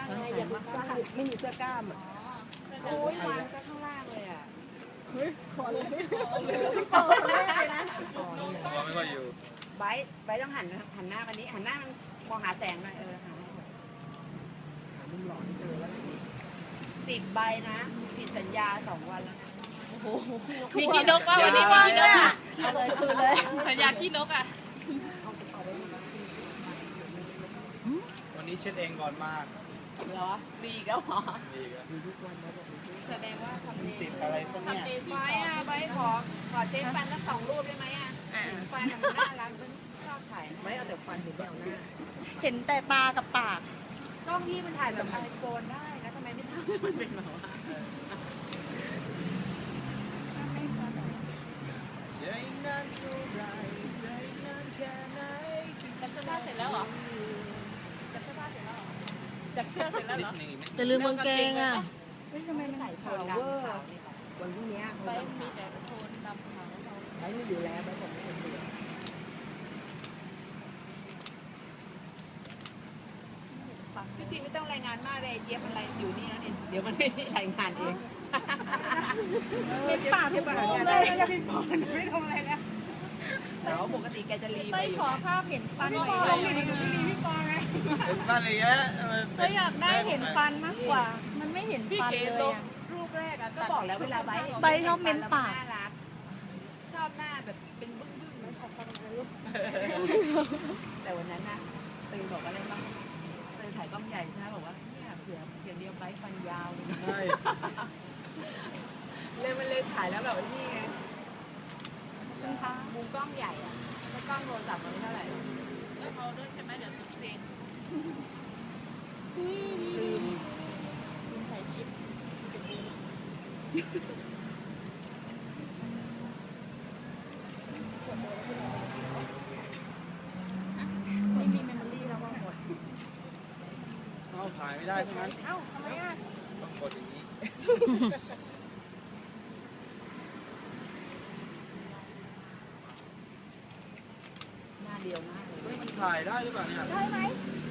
ไงอย่าไปซ่าไม่มีเสื้อกล้ามอ่ะโอ้ยวางก็ข้างล่างเลยอ่ะเฮ้ยขอเลยขอเลยนะตัวไม่ค่อยอยู่ไบต้องหันหน้ากันนี้หันหน้ามันมองหาแสงหน่อยหามุมหล่อที่เจอแล้ว10 ใบนะผิดสัญญา2 วันแล้วนะมีขี้นกป่ะวันนี้มีขี้นกอ่ะเอาเลยคืนเลยสัญญาขี้นกอ่ะวันนี้เช็ดเองก่อนมากเหรอดีก็หรอดีครับแสดงว่าทำเองติดอะไรพวกเนี้ยไว้อะไว้ขอเช็คฟันสัก2 รูปได้ไหมอ่ะฟันมันน่ารักมันชอบถ่ายไว้เอาแต่ฟันเห็นไม่เอาหน้าเห็นแต่ตากับปากกล้องพี่มันถ่ายแบบไอโฟนได้แล้วทำไมไม่ทำมันเป็นแบบว่าใจนานเท่าไรใจนานแค่ไหนจัดเสื้อผ้าเสร็จแล้วเหรอจัดเสื้อผ้าเสร็จแล้วเหรอจัดเสื้อเสร็จแล้วเหรอจะลืมกางเกงอ่ะเฮ้ยทำไมใส่โทนเวอร์วันพรุ่งนี้ไปมีแต่โทนดำขาวไว้ไม่อยู่แล้วไว้ผมไม่เป็นเดือนชื่อทีไม่ต้องรายงานมากเลยเจี๊ยบมันอะไรอยู่นี่แล้วเนี่ยเดี๋ยวมันไม่ได้รายงานเองเป็นปากทุกรูปเลยจะเป็นปากไม่ทำอะไรแล้วแต่ว่าปกติแกจะรีบไปขอภาพเห็นฟันหน่อยพี่ปอไงเป็นบ้านอะไรเงี้ยก็อยากได้เห็นฟันมากกว่า มันไม่เห็นฟันเลยอ่ะรูปแรกอะก็บอกแล้วเวลาไบใบชอบเม้นปากน่ารักชอบหน้าแบบเป็นบึ้งๆไม่ชอบฟันเลยแต่วันนั้นน่ะตื่นบอกอะไรบ้างตื่นถ่ายกล้องใหญ่ใช่ไหมบอกว่าเนี่ยเสืออย่างเดียวไบฟันยาวเลยใช่เลยมันเลยถ่ายแล้วแบบนี่ไงมุมกล้องใหญ่อะถ้ากล้องโทรศัพท์มันไม่เท่าไหร่เอาด้วยใช่ไหมเดี๋ยวติดเพลงลืมถ่ายคลิปไม่มีเมมโมรี่แล้วว่าหมดเอาถ่ายไม่ได้ทั้งนั้นเอ้าทำไมอ่ะต้องกดอย่างนี้หน้าเดียวมากเลยเฮ้ยมันถ่ายได้หรือเปล่าเนี่ยได้ไหม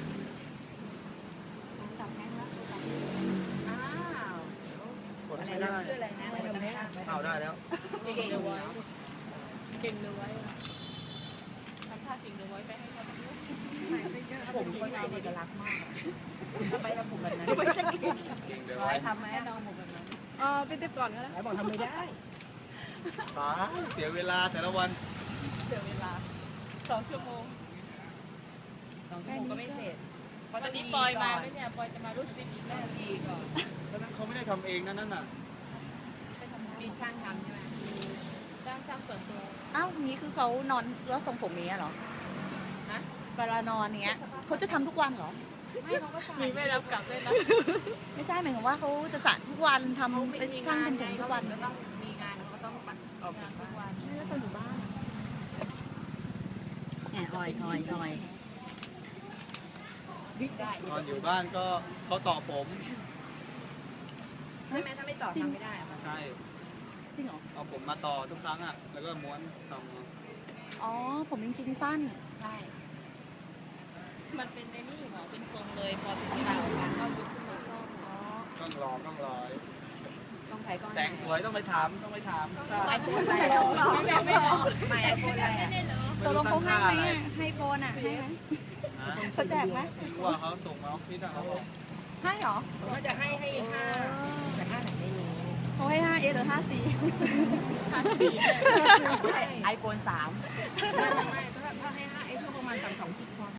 จับแม่แล้วอ้าวกดอะไรไม่นะได้ชื่ออะไรนะอะไรนะเอาได้แล้วเก่งเลยไว้เก่งเลยไว้ทำท่าเก่งเลยไว้ไปให้เขาดูผมคนไทยเอกลักษณ์มากทำไมเราผมแบบนั้นไม่จะเก่งเก่งเดี๋ยวร้อไว้ยทำไหมเราผมแบบนั้นไปเต็มก่อนก็ได้ไหนบอกทำไม่ได้ตายเสียเวลาแต่ละวันเสียเวลา2 ชั่วโมง 2 ชั่วโมงก็ไม่เสร็จเพราะวัต้อน งนี้ดีปอยก่มาอนไหมเนี่ยปอยจะมารู้สึกอีกแน่ต้องดีก่อนเพราะนั้นเขาไม่ได้ทำเองนั่นน่ะมีช่างทำใช่ไหมจ้างช่างส่วนตัวอ้าวนี้คือเขานอนแล้วทรงผมนี้ยเหรอฮะเวลานอนเนี้ยเขาจะทำทุกวันเหรอไม่เขาก็สายมีไม่รับกลับด้วยนะไม่ใช่หมายถึงว่าเขาจะสระทุกวันทำเขาไม่เป็นมีช่างงานเป็นไงผมทุเขากวันก็ต้องมีงานเขาก็ต้องปัดออกจากบ้านไม่ได้ตอนอยู่บ้านแอบอ่อยได้ตอนอยู่บ้านก็เขาต่อผมใช่ไหมถ้าไม่ต่อทำไม่ได้อะใช่จริงเหรอเอาผมมาต่อทุกครั้งอ่ะ แล้วก็ม้วนทำอ๋อผมจริงๆสั้นใช่มันเป็นในนี่เหรอเป็นทรงเลยพอถึงเวลาออกมาก็ยุบขึ้นมาชอบต้องรอต้องรอต้องถ่ายกล้องแสงสวยต้องไปถามใช่ไอโฟนอะไรไม่ไอโฟนอะไรอะตกลงเขาให้ไหมอะให้โฟนอ่ะ ให้ไหมฮะเขาแจกไหมไม่รู้ว่าเขาส่งมาออฟฟิศอะเขาบอกให้เหรอผมว่าจะให้ห้าแต่ห้าไหนไม่รู้เขาให้ 5A หรือ 5C ไอโฟน3ไม่ถ้าให้5 เอสก็ประมาณ32 กิกพอ